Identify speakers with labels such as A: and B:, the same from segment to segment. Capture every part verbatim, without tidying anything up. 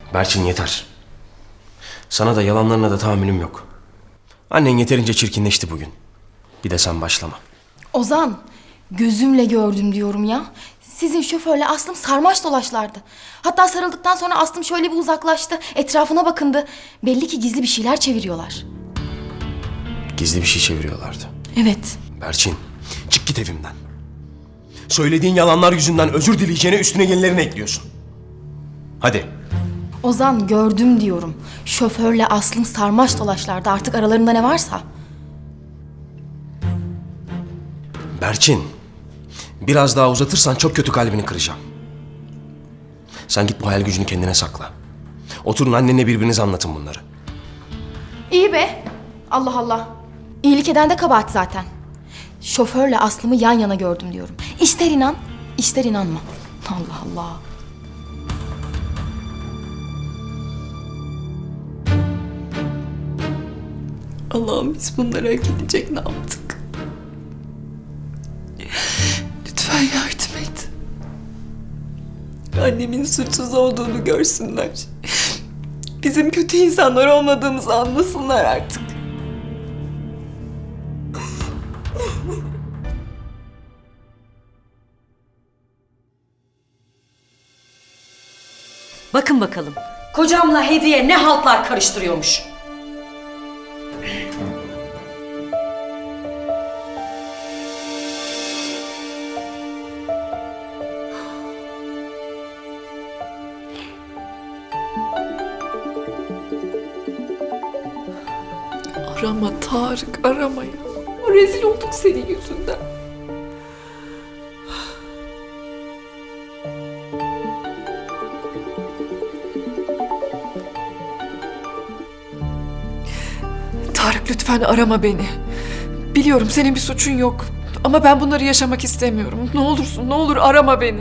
A: Berçin yeter. Sana da yalanlarına da tahammülüm yok. Annen yeterince çirkinleşti bugün. Bir de sen başlama.
B: Ozan, gözümle gördüm diyorum ya. Sizin şoförle Aslım sarmaş dolaşlardı. Hatta sarıldıktan sonra Aslım şöyle bir uzaklaştı. Etrafına bakındı. Belli ki gizli bir şeyler çeviriyorlar.
A: Gizli bir şey çeviriyorlardı.
B: Evet.
A: Berçin, çık git evimden. Söylediğin yalanlar yüzünden özür dileyeceğine üstüne yenilerini ekliyorsun. Hadi.
B: Ozan, gördüm diyorum. Şoförle Aslım sarmaş dolaşlardı. Artık aralarında ne varsa.
A: Berçin, biraz daha uzatırsan çok kötü kalbini kıracağım. Sen git bu hayal gücünü kendine sakla. Oturun annenle birbirinize anlatın bunları.
B: İyi be. Allah Allah. İyilik eden de kabahat zaten. Şoförle Aslım'ı yan yana gördüm diyorum. İster inan, ister inanma. Allah Allah.
C: Allah'ım biz bunlara hak edecek ne yaptık? Lütfen yardım et. Annemin suçsuz olduğunu görsünler. Bizim kötü insanlar olmadığımızı anlasınlar artık.
D: Bakın bakalım, kocamla Hediye ne haltlar karıştırıyormuş.
C: Arama Tarık, arama ya. Rezil olduk senin yüzünden. Tarık lütfen arama beni. Biliyorum senin bir suçun yok. Ama ben bunları yaşamak istemiyorum. Ne olursun, ne olur arama beni.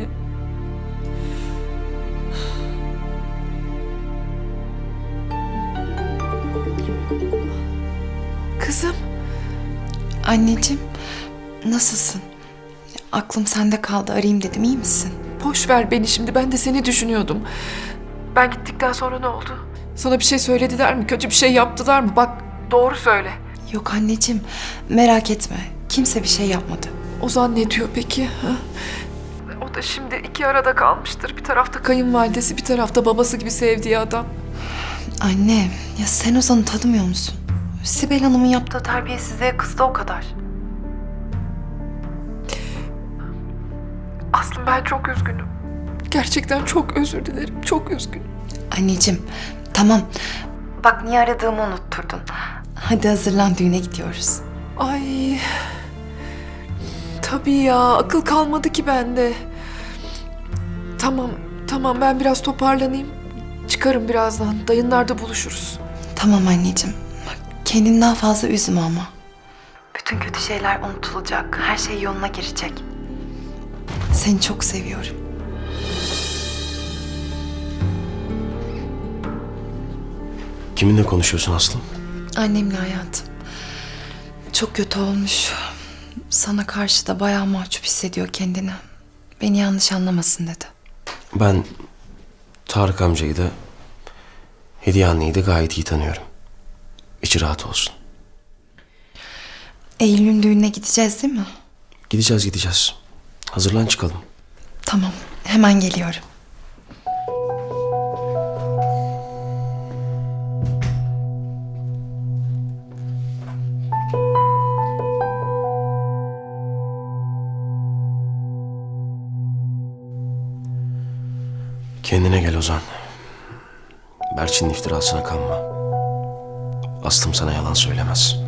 C: Kızım.
E: Anneciğim, nasılsın? Aklım sende kaldı, arayayım dedim, iyi misin?
C: Boş ver beni şimdi, ben de seni düşünüyordum. Ben gittikten sonra ne oldu? Sana bir şey söylediler mi? Kötü bir şey yaptılar mı? Bak doğru söyle.
E: Yok anneciğim, merak etme. Kimse bir şey yapmadı.
C: Ozan ne diyor peki? Ha? O da şimdi iki arada kalmıştır. Bir tarafta kayınvalidesi, bir tarafta babası gibi sevdiği adam.
E: Anne, ya sen Ozan'ı tanımıyor musun? Sibel Hanım'ın yaptığı terbiyesizliğe kızdı o kadar.
C: Aslım ben çok üzgünüm. Gerçekten çok özür dilerim. Çok üzgünüm.
E: Anneciğim, tamam. Bak niye aradığımı unutturdun. Hadi hazırlan, düğüne gidiyoruz.
C: Ay. Tabii ya, akıl kalmadı ki bende. Tamam, tamam ben biraz toparlanayım. Çıkarım birazdan. Dayınlarda buluşuruz.
E: Tamam anneciğim. Bak, kendini daha fazla üzme ama. Bütün kötü şeyler unutulacak. Her şey yoluna girecek. Seni çok seviyorum.
A: Kiminle konuşuyorsun Aslım?
E: Annemle hayatım. Çok kötü olmuş. Sana karşı da bayağı mahcup hissediyor kendini. Beni yanlış anlamasın dedi.
A: Ben Tarık amcayı da Hediye anneyi de gayet iyi tanıyorum. İçi rahat olsun.
E: Eylül'ün düğününe gideceğiz değil mi?
A: Gideceğiz gideceğiz. Hazırlan çıkalım.
E: Tamam, hemen geliyorum.
A: Kendine gel Ozan. Berçin'in iftirasına kanma. Aslım sana yalan söylemez.